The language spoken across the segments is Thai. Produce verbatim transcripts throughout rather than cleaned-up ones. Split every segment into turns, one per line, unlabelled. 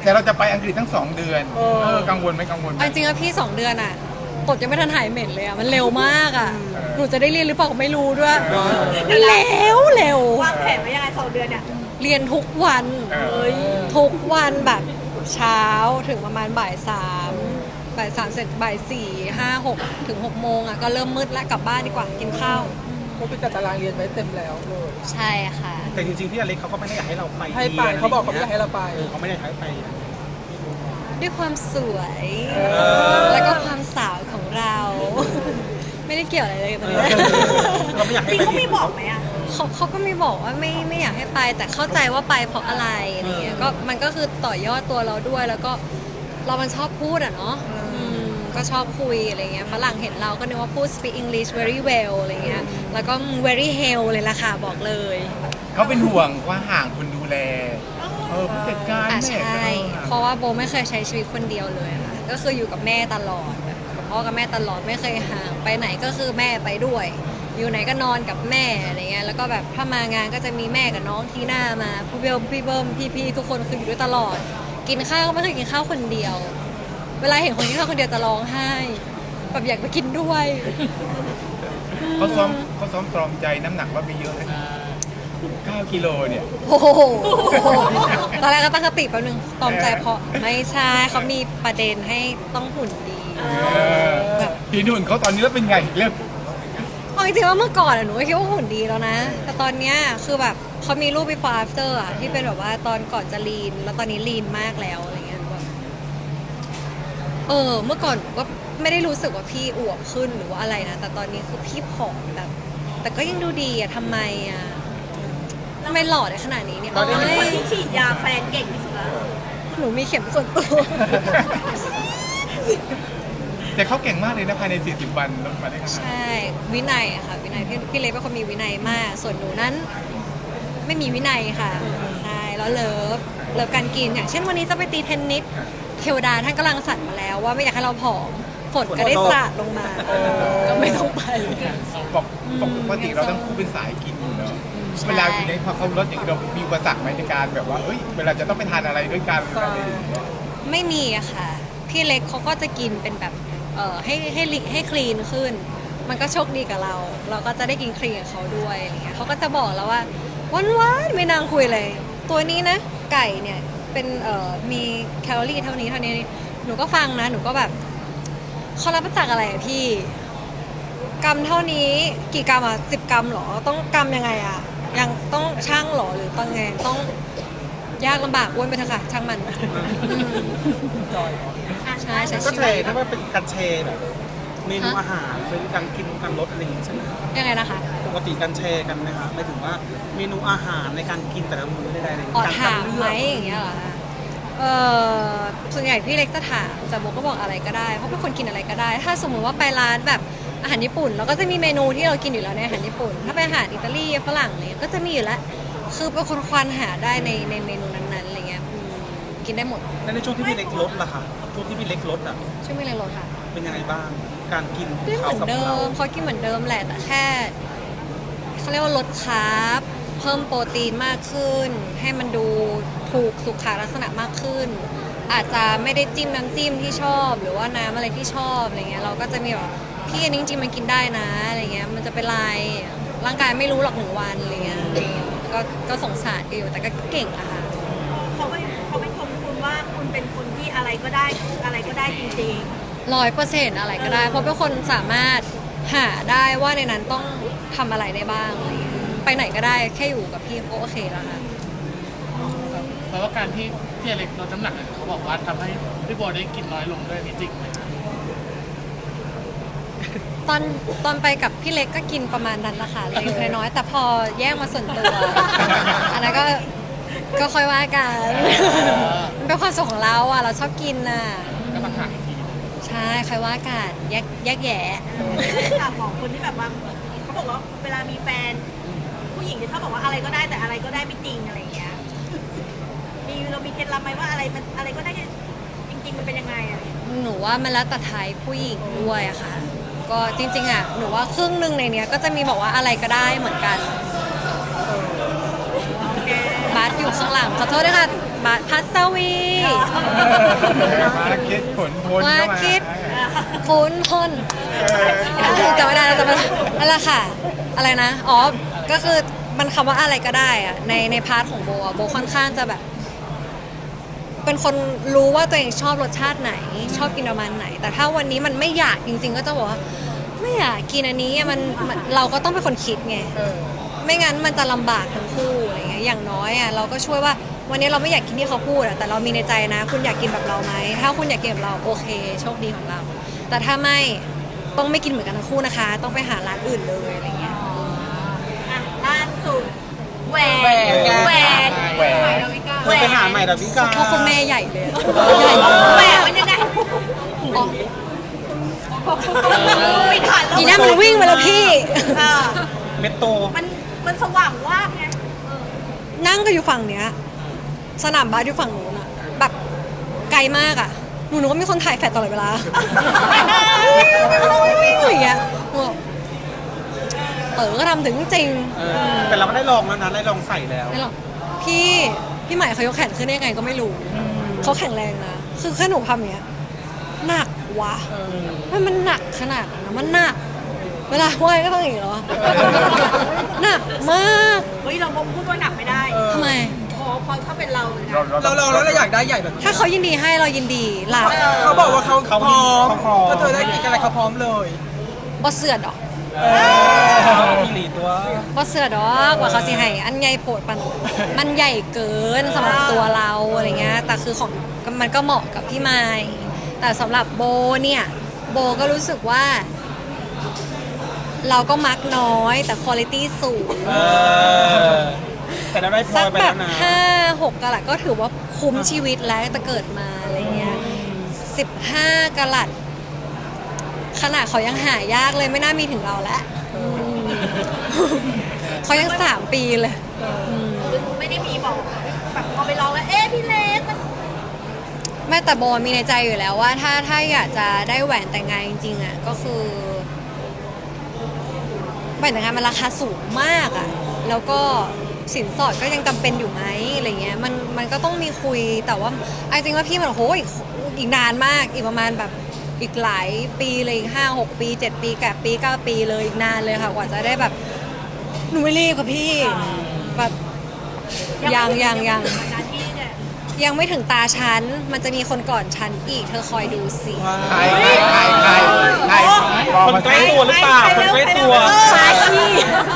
แต่เราจะไปอังกฤษทั้งสองเดือนเออกังวลไหมกังวลไหม
เอาจริงๆอะพี่สองเดือนอะตดยังไม่ทันหายเหม็นเลยอะมันเร็วมากอะหนูจะได้เรียนหรือเปล่าก็ไม่รู้ด้วยเร็วเร็ว
วางแผนไว้ยังไงสองเดือนเนี่ย
เรียนทุกวัน
เออ
ทุกวันแบบเช้าถึงประมาณบ่ายสามบ่ายสามเสร็จบ่ายสี่ห้าหกถึงหกโมงอะก็เริ่มมืดแล้วกลับบ้านดีกว่ากินข้าว
เขาไปจัดตารางเรียนไว้เต็มแล้วเลย
ใช่ค่ะ
แต่จริงๆพี่อเล็กเขาก็ไม่ได้อยากให้เราไป
ให้ไปเขาบอกเขาไม่อยากให้เราไป
เออเขาไม่ได้อยากให้ไป
ด้วยความสวย
อ
แล้วก็ความสาวของเรา ไม่ได้เกี่ยวอะไรเลยตรงนี้
เราไม่อยาก
จ
ให้
ริง
ไป
เขาไม่บอกไหมอะ
เขาเขาก็ไม่บอกว่าไม่ไม่อยากให้ไป แต่เข้าใจว่าไปเพราะอะไรอะไรเงี้ยก็มันก็คือต่อยอดตัวเราด้วย แล้วก็เรามันชอบพูดอ่ะเนาะอืมก็ชอบคุยอะไรเงี้ยฝรั่งเห็นเราก็นึกว่าพูด speak English very well อะไรเงี้ยแล้วก็ very hell เลยล่ะค่ะบอกเลย
เขาเป็นห่วงว่าห่างคนดูแลเออผู้จัดการ
อ่ะ
แม่
ใช่ เพราะว่าโบไม่เคยใช้ชีวิตคนเดียวเลยค่ะก็คืออยู่กับแม่ตลอดแบบกับพ่อกับแม่ตลอดไม่เคยห่างไปไหนก็คือแม่ไปด้วย อยู่ไหนก็นอนกับแม่อะไรเงี้ยแล้วก็แบบถ้ามางานก็จะมีแม่กับน้องที่หน้ามาพี่เบิร์มพี่เบิร์มพี่พี่ทุกคนคืออยู่ด้วยตลอด กินข้าวก็ไม่เคยกินข้าวคนเดียว เวลาเห็นคนกินข้าวคนเดียวจะร้องไห้แบบอยากไปกินด้วย
เขาซ้อมเขาซ้อมตรอมใจน้ำหนักว่ามีเยอะเลยเก้ากิโลเนี่ย
โอ้โหตอนแรกก็ตั้งสติแป๊บนึงตอมใจเพราะไม่ใช่เขามีประเด็นให้ต้องหุ่นดี แบบ
พี่นุ่นเขาตอนนี้แล้วเป็นไงเริ่ม
เอาจริงๆว่าเมื่อก่อนอะหนูก็คิดว่าหุ่นดีแล้วนะ แต่ตอนเนี้ยคือแบบเขามีรูป before after อะที่เป็นแบบว่าตอนก่อนจะลีน แล้วตอนนี้ลีนมากแล้วอะไรเงี้ยหนูแบบเออ เมื่อก่อนหนูก็ไม่ได้รู้สึกว่าพี่อวบขึ้นหรือว่าอะไรนะ แต่ตอนนี้คือพี่ผอมแบบ แต่ก็ยังดูดีอะทำไมอะทำไมหล่อได้ขนาดนี้เนี่ย
เราเป็นคน
เอ้ย
ที่ฉีดยาแฟนเก่งที่สุดแล้ว
หนูมีเข็มส่วนตัว
แต่เขาเก่งมากเลยนะภายในสี่สิบวันลดมาได้ขนาด
ใช่
นั้น
วินัยอะค่ะ วินัยพี่พี่เล็กเป็นคนมีวินัยมาก ส่วนหนูนั้น ไม่มีวินัยค่ะ ใช่ แล้วเลิฟเลิฟการกิน อย่างเช่นวันนี้จะไปตีเทนนิสเทวดาท่านกำลังสั่นมาแล้วว่าไม่อยากให้เราผอมฝนก็ได้สาดลงมา ก็ไม่ต้องไป
ปกปกติเราต้องคู่เป็นสายกินอยู่เนอะ
ใช่
เวลาอยู่ในพอเขาลดอย่างนี้เรามีอุปสรรคไหมในการแบบว่าเอ้ยเวลาจะต้องไปทานอะไรด้วยกันอะไรอย่างเงี้ย
ไม่มีอะค่ะ พี่เล็กเขาก็จะกินเป็นแบบเอ่อให้ให้ลิให้คลีนขึ้น มันก็โชคดีกับเรา เราก็จะได้กินคลีนกับเขาด้วยอะไรเงี้ยเขาก็จะบอกแล้วว่าวันวันๆไม่นางคุยเลย ตัวนี้นะ ไก่เนี่ยเป็นเอ่อมีแคลอรี่เท่านี้เท่านี้หนูก็ฟังนะ หนูก็แบบเขารับมาจากอะไรอะพี่ กรัมเท่านี้กี่กรัมอ่ะสิบกรัมเหรอต้องกรัมยังไงอ่ะยังต้องช่างเหรอหรือต้องไงต้องยากลำบากอ้วนไปเถอะค่ะช่างมันอืมใช่ใช่
ก็
ชี
แช
วิต
ร์ถ้าว่าเป็นการแชร์แบบเมนูอาหารเป็นการกินการลดอะไรอย่างงี้ใช่ไหม
ยังไงนะคะ
ปกติการแชร์กันไหมคะหมายถึงว่าเมนูอาหารในการกินแต่ละมื้อใดๆอะไรอย่าง
อ๋อ
เงี้ย
ถามไหมอย่างเงี้ยเหรอคะเออส่วนใหญ่พี่เล็กจะถามแต่โบก็บอกอะไรก็ได้เพราะเป็นคนกินอะไรก็ได้ ถ้าสมมุติว่าไปร้านแบบอาหารญี่ปุ่นเราก็จะมีเมนูที่เรากินอยู่แล้วในอาหารญี่ปุ่น ถ้าไปอาหารอิตาลีฝรั่งอะไรเนี่ยก็จะมีอยู่แล้วคือเป็นคนควานหาได้ในในเมนูนั้นๆอะไรเงี้ยอืมกินได้หมด
แล้วในช่วงที่พี่เล็กลดล่ะคะช่วงที่พี่เล็กลดอ่ะ
ช่วยไม่เลยลดค่ะ
เป็นยังไงบ้าง การกิน
ก็เห
เขา
มือน
กับ
เดิ
เรา
มเขากินเหมือนเดิมแหละแต่แค่เขาเรียกว่าลดคาร์บเพิ่มโปรตีนมากขึ้น ให้มันดูถูกสุขลักษณะมากขึ้น อาจจะไม่ได้จิ้มน้ำจิ้มที่ชอบ หรือว่าน้ำอะไรที่ชอบอะไรเงี้ยเราก็จะมีแบบพี่อันนี้จริงๆมันกินได้นะอะไรเงี้ยมันจะเป็นไรร่างกายไม่รู้หรอกหนึ่งวันอะไรเงี้ยก็ก็สงสารกันอยู่แต่ก็เก่งอะค่ะ
เขาไม่เขาไม่ชมคุณว่าคุณเป็นคนที่อะไรก็ได้อะไรก็ได้จริง
ร้อยเปอร์เซ็นต์อะไรก็ได้ เพราะเป็นคนสามารถหาได้ว่าในนั้นต้องทำอะไรได้บ้างอะไรเงี้ยไปไหนก็ได้แค่อยู่กับพี่ก็โอเคแล้วค่ะ
เพราะว่าการที่พี่อเล็กลดน้ำหนักเนี่ยเขาบอกว่าทำให้พี่โบได้กินน้อยลงด้วยนี่จริงไหมคะ
ตอนตอนไปกับพี่เล็กก็กินประมาณนั้นแหละค่ะเล็กน้อยๆแต่พอแยกมาส่วนตัว อันนั้นก็ก็ค่อยว่ากันมันเป็นความสุขของเราอ่ะเราชอบกินน่ะ
ก็มาหาอีกที
ใช่ค่อยว่ากันแยกแยกแยะ
ๆค่ะของคนที่แบบว่าเขาบอกว่าเวลามีแฟน ผู้หญิงที่เขาบอกว่าอะไรก็ได้แต่อะไรก็ได้ไม่จริงอะไรอย่างเงี้ยมีเรามีเคล็ดลับไหมว่าอะไรมันอะไรก็ได้จริง ๆ มันเป็นยังไงอะไรอย่างเงี้ย
หนูว่ามันแล้วแต่ไทยผู้หญิงด้วยอะค่ะ ก็จริงๆอ่ะหนูว่าครึ่งหนึ่งในเนี้ยก็จะมีบอกว่าอะไรก็ได้เหมือนกันบาสอยู่ข้างหลังขอโทษด้วยค่ะบบาพัสวี
มาคิดผลพล
มา
เข้ามา
คิด ฟุนพลจำไม่ได้แล้วจำไม่ได้นั่นแหละค่ะ อะไรนะ อ๋อ ก็คือมันคำว่าอะไรก็ได้อะในในพาร์ทของโบอะโบค่อนข้างจะแบบ เป็นคนรู้ว่าตัวเองชอบรสชาติไหน ชอบกินประมาณไหน แต่ถ้าวันนี้มันไม่อยากจริง ๆ ก็จะบอกว่าไม่อยากกินอันนี้อะมันมันเราก็ต้องเป็นคนคิดไง
เออ
ไม่งั้นมันจะลำบากทั้งคู่อะไรเงี้ย อย่างน้อยอ่ะเราก็ช่วยว่าวันนี้เราไม่อยากกินที่เขาพูดอ่ะแต่เรามีในใจนะ คุณอยากกินแบบเราไหมถ้าคุณอยากกินแบบเราโอเค โชคดีของเรา แต่ถ้าไม่ต้องไม่กินเหมือนกันทั้งคู่นะคะ ต้องไปหาร้านอื่นเลยอะไรเงี้ย
อ่ะล่าสุดแหวน
แหวนไง
แหวน
แหวน
เธอไปหาใหม่ดาวิกา
เพราะคุณแม่ใหญ่เลยใหญ่
แหว
มาก
นมันยังไง
อ๋อ
ไม่ทันแล้ว
อีน่ามันวิ่งมาแล้วพี่
เออ
เม็ดโต
มันมันสว่างว่าบไง
นั่งก็อยู่ฝั่งเนี้ย สนามบาสอยู่ฝั่งนู้นอะแบบไกลมากอะหนูนึกว่ามีคนถ่ายแฟลชตลอดเวลาอย่างเงี้ยหนูบอกเออก็ทำถึงจริง
เออแต่เราไม่ได้ลองแล้วนะได้ลองใส่แล้ว
ไม่หรอกพี่พี่ใหม่เขายกแขนขึ้นได้ยังไงก็ไม่รู้เขาแข็งแรงนะ คือแค่หนูทำอย่างเนี้ยหนักวะมันมันหนักขนาดนั้นนะมันหนัก เวลาว่ายก็ต้องอย่างนี้เหรอหนักมาก
เฮ้ยเราพูดว่าหนักไม่ได้
ทำไม
พอพอถ้าเป็นเราเลยนะ
เราเราแล้วเราอยากได้ใหญ่แบบนี้
ถ้าเขายินดีให้เรายินดีหลับ
เขาบอกว่าเขา
เขา
พร้อม
เขาพร้อม
ถ้าเธอได้กินอะไรเขาพร้อมเลย
บ่เสือดอก
พี่หลีตัว
บ่เสือดอกว่าเขาสิให้อันใหญ่โผดปันมันใหญ่เกินสำหรับตัวเราอะไรเงี้ยแต่คือของมันก็เหมาะกับพี่ไม้แต่สำหรับโบเนี่ยโบก็รู้สึกว่า เราก็มักน้อยแต่คุณภาพสูง
เออแต่เราได้พล
สั
อก ยไป
แบ
แล้
บ
วนะ
ห้าหกกะลัดก็ถือว่าคุ้มชีวิตแล้วแต่เกิดมาอะไรเงี้ยสิบห้ากะลัดขนาดเขายังหายากเลยไม่น่ามีถึงเราแล้วอืมเขายังสามปีเลย
ไม่ได้มีบอกแบบพอไปลองแล้วเอ๊ะพี่เล็กมัน
แม่แต่โบมีในใจอยู่แล้วว่าถ้าถ้าอยากจะได้แหวนแต่งงานจริงๆอ่ะก็คือแหวนแต่งงานมันราคาสูงมากอ่ะแล้วก็สินสอดก็ยังจำเป็นอยู่ไหมอะไรเงี้ยมันมันก็ต้องมีคุยแต่ว่าไอ้จริงว่าพี่มันโหอีกอีกนานมากอีกประมาณแบบอีกหลายปีเลยอีกห้าหกปีเจ็ดปีแปดปีเก้าปีเลยอีกนานเลยค่ะกว่าจะได้แบบหนูไม่รีบค่ะพี่แบบยังยังยัง
นานที่เนี่ย
ยังไม่ถึงตาฉัน มันจะมีคนก่อนฉันอีก เธอคอยดูสิ
ใครใครใครใครใครบอก
คน
มา
ใกล้ตัวหรือเปล่าคนใกล้ตัว
ปาขี้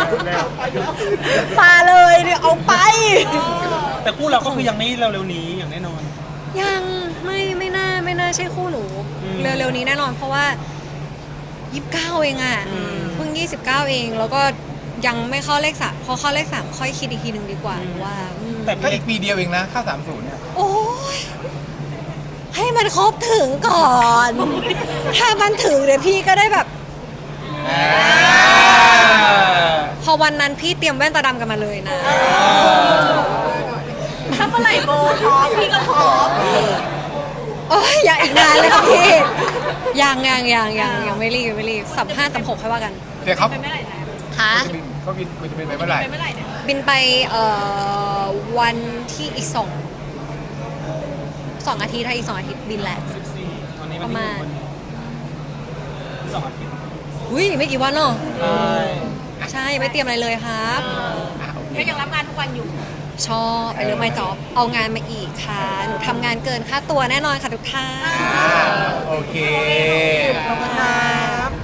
ปาเลยเนี่ยเอาไป
แต่คู่เราก็คือยังไม่เร็วๆนี้อย่างแน่นอน
ยังไม่ไม่น่าไม่น่าใช่คู่หนู
อืม
เร็วๆนี้แน่นอนเพราะว่ายี่สิบเก้าเองอ่ะ
อืม
เพิ่งยี่สิบเก้าเอง แล้วก็ยังไม่เข้าเลขสามพอเข้าเลขสามค่อยคิดอีกทีหนึ่งดีกว่าว่าอืม
แต่
ก็
พี่
อีกปีเดียวเองนะเข้าสามศูนย์เนี่ย
โอ้ยให้มันครบถึงก่อน ถ้ามันถึงเดี๋ยวพี่ก็ได้แบบ พอวันนั้นพี่เตรียมแว่นตาดำกันมาเลยนะ
ถ้าเมื่อไหร่โบพร้อมพี่ก็พร้อม
โอ้ยอย่าอีกนานเลยค่ะพี่ ยังยังยังยังยังไม่รีบยังไม่รีบสัมห้าสัมหกค่อยว่ากัน
เดี๋ยวเขา
ไปเมื่อไหร่นะ
ค่ะ
เขาบินเขาบินมันจะบินไปเมื่อไหร่
ไปเมื่อไหร่เนี่ย
บินไปเอ่อวันที่อีกสองสองอาทิตย์ถ้าอีกสองอาทิตย์บินแหละ
ตอนนี้
ป
มัน
ระมาณ
สองอาทิตย์
อุ้ยไม่กี่วันเนาะ
ใช่
ใช่ยังไม่เตรียมอะไรเลยครับ
ก็ยังรับงานทุกวันอยู่
ชอบไปเรื่องไม่จอบเอางานมาอีกค่ะ หนูทำงานเกินค่าตัวแน่นอนค่ะทุกท่าน
อ่าโอเค